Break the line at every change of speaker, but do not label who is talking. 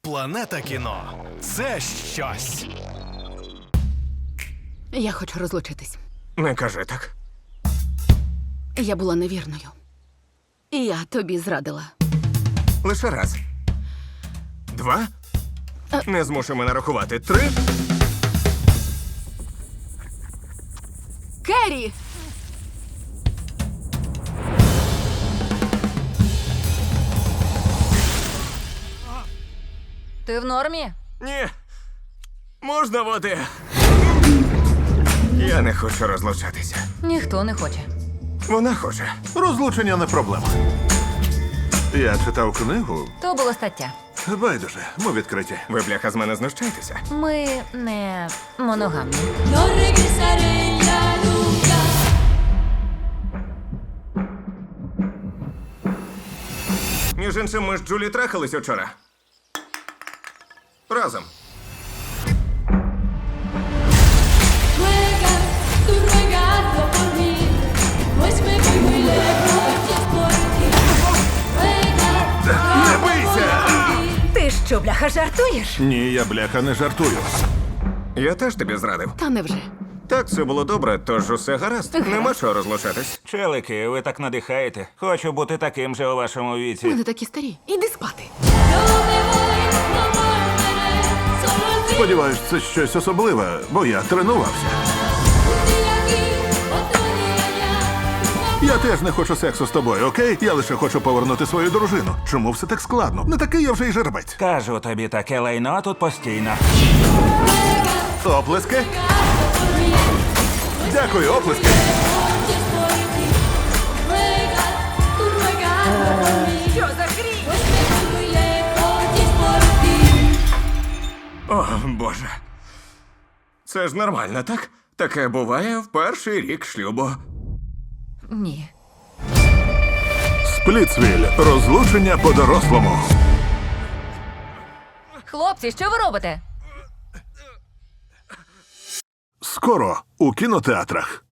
Планета кіно – це щось.
Я хочу розлучитись.
Не кажи так.
Я була невірною. І я тобі зрадила.
Лише раз. 2. Не змушуй мене рахувати. 3.
Керрі!
Ти в нормі?
Ні. Можна води? Я не хочу розлучатися.
Ніхто не хоче.
Вона хоче.
Розлучення не проблема. Я читав книгу.
То була стаття.
Байдуже, ми відкриті.
Ви, бляха, з мене знущаєтеся?
Ми не моногамні.
No regresaré ya nunca.
Між іншим, ми з Джулі трахались учора. Разом.
Ruegas, tú ruegando por mí, pues me voy muy lejos y es por ti. Ruegas,
Не бийся!
Ти що, бляха, жартуєш?
Ні, я бляха не жартую.
Я теж тобі зрадив.
Та невже?
Так, все було добре, тож усе гаразд. Нема чого розлучатись.
Челики, ви так надихаєте. Хочу бути таким же у вашому
Ми
віці.
не такі старі. Іди спати.
no me voy, no volveré, solo el fin.
Сподіваюсь, це щось особливе, бо я тренувався.
Un día aquí, otro día allá.
Я теж не хочу сексу з тобою, окей? Я лише хочу повернути свою дружину. Чому все так складно? Не такий я вже й жеребець.
Кажу тобі, таке лайно тут постійно.
Оплески? Дякую, оплески.
Y es por ti. Ruegas, tú ruegando por mí.
Що за хрінь?
Pues me voy muy lejos y es por ti.
О, Боже. Це ж нормально, так? Таке буває в перший рік шлюбу.
Ні.
Сплітсвіль. Розлучення по-дорослому.
Хлопці, що ви робите?
Скоро у кінотеатрах.